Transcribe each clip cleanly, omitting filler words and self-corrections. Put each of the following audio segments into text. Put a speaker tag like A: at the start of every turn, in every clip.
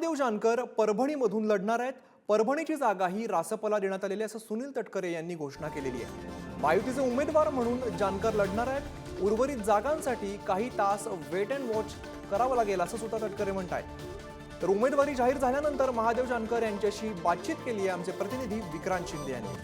A: महादेव जानकर परभणीमधून लढणार आहेत। परभणीची जागा ही रासपला देण्यात आलेली असं सुनील तटकरे यांनी घोषणा केलेली आहे। महायुतीचे उमेदवार म्हणून जानकर लढणार आहेत। उर्वरित जागांसाठी काही तास वेट अँड वॉच करावं लागेल असं सुद्धा तटकरे म्हणतात। तर उमेदवारी जाहीर झाल्यानंतर महादेव जानकर यांच्याशी बातचीत केली आहे आमचे प्रतिनिधी विक्रांत शिंदे यांनी।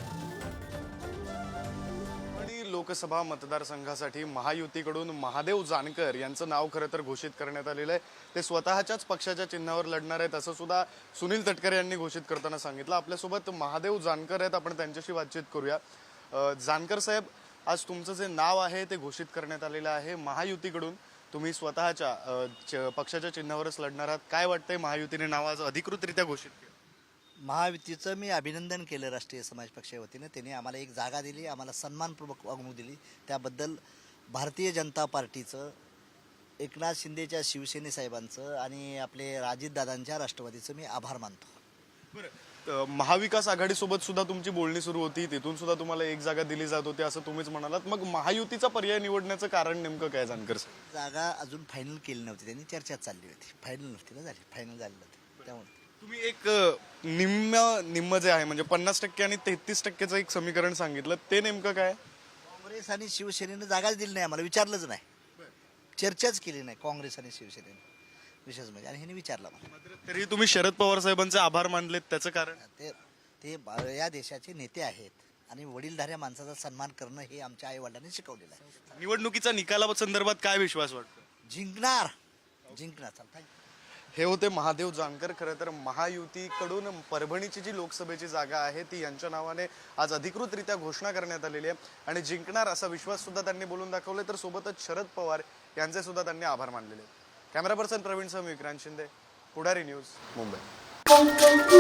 B: लोकसभा मतदारसंघासाठी महायुतीकडून महादेव जानकर यांचं नाव खरं तर घोषित करण्यात आलेलं आहे। ते स्वतःच्याच पक्षाच्या चिन्हावर लढणार आहेत असं सुद्धा सुनील तटकरे यांनी घोषित करताना सांगितलं। आपल्यासोबत महादेव जानकर आहेत, आपण त्यांच्याशी बातचीत करूया। जानकर साहेब, आज तुमचं जे नाव आहे ते घोषित करण्यात आलेलं आहे महायुतीकडून। तुम्ही स्वतःच्या पक्षाच्या चिन्हावरच लढणार आहात। काय वाटतंय, महायुतीने नाव आज अधिकृतरित्या घोषित केलं?
C: महायुतीचं मी अभिनंदन केलं राष्ट्रीय समाज पक्षाच्या वतीने। त्यांनी आम्हाला एक जागा दिली, आम्हाला सन्मानपूर्वक वागणूक दिली, त्याबद्दल भारतीय जनता पार्टीचं, एकनाथ शिंदेच्या शिवसेने साहेबांचं आणि आपले राजददादांच्या राष्ट्रवादीचं मी आभार मानतो।
B: बरं, महाविकास आघाडीसोबत सुद्धा तुमची बोलणी सुरू होती, तिथून सुद्धा तुम्हाला एक जागा दिली जात होती असं तुम्हीच म्हणालात। मग महायुतीचा पर्याय निवडण्याचं कारण नेमकं काय जानकर साहेब?
C: जागा अजून फायनल केली नव्हती, त्यांनी चर्चा चालली होती, फायनल नव्हती ना झाली, फायनल झाली नव्हती। त्यामुळे
B: तुम्ही एक निम्म जे आहे म्हणजे 50% आणि 33%चं एक समीकरण सांगितलं, ते नेमकं काय?
C: काँग्रेस आणि शिवसेनेनं जागाच दिली नाही, आम्हाला विचारलंच नाही, चर्चाच केली नाही काँग्रेस आणि शिवसेनेने, विशेष म्हणजे, आणि ह्याने विचारलं मला।
B: तरी तुम्ही शरद पवार साहेबांचे आभार मानलेत, त्याचं कारण?
C: ते या देशाचे नेते आहेत आणि वडीलधाऱ्या माणसाचा सन्मान करणं हे आमच्या आई वडिलांनी शिकवलेलं आहे।
B: निवडणुकीचा निकाला संदर्भात काय विश्वास वाटतो?
C: जिंकणार चालतंय।
B: हे होते महादेव जानकर। खरं तर महायुतीकडून परभणीची जी लोकसभेची जागा आहे ती यांच्या नावाने आज अधिकृतरित्या घोषणा करण्यात आलेली आहे आणि जिंकणार असा विश्वास सुद्धा त्यांनी बोलून दाखवले। तर सोबतच शरद पवार यांचे सुद्धा त्यांनी आभार मानलेले। कॅमेरा पर्सन प्रवीण सह विक्रांत शिंदे, पुढारी न्यूज, मुंबई।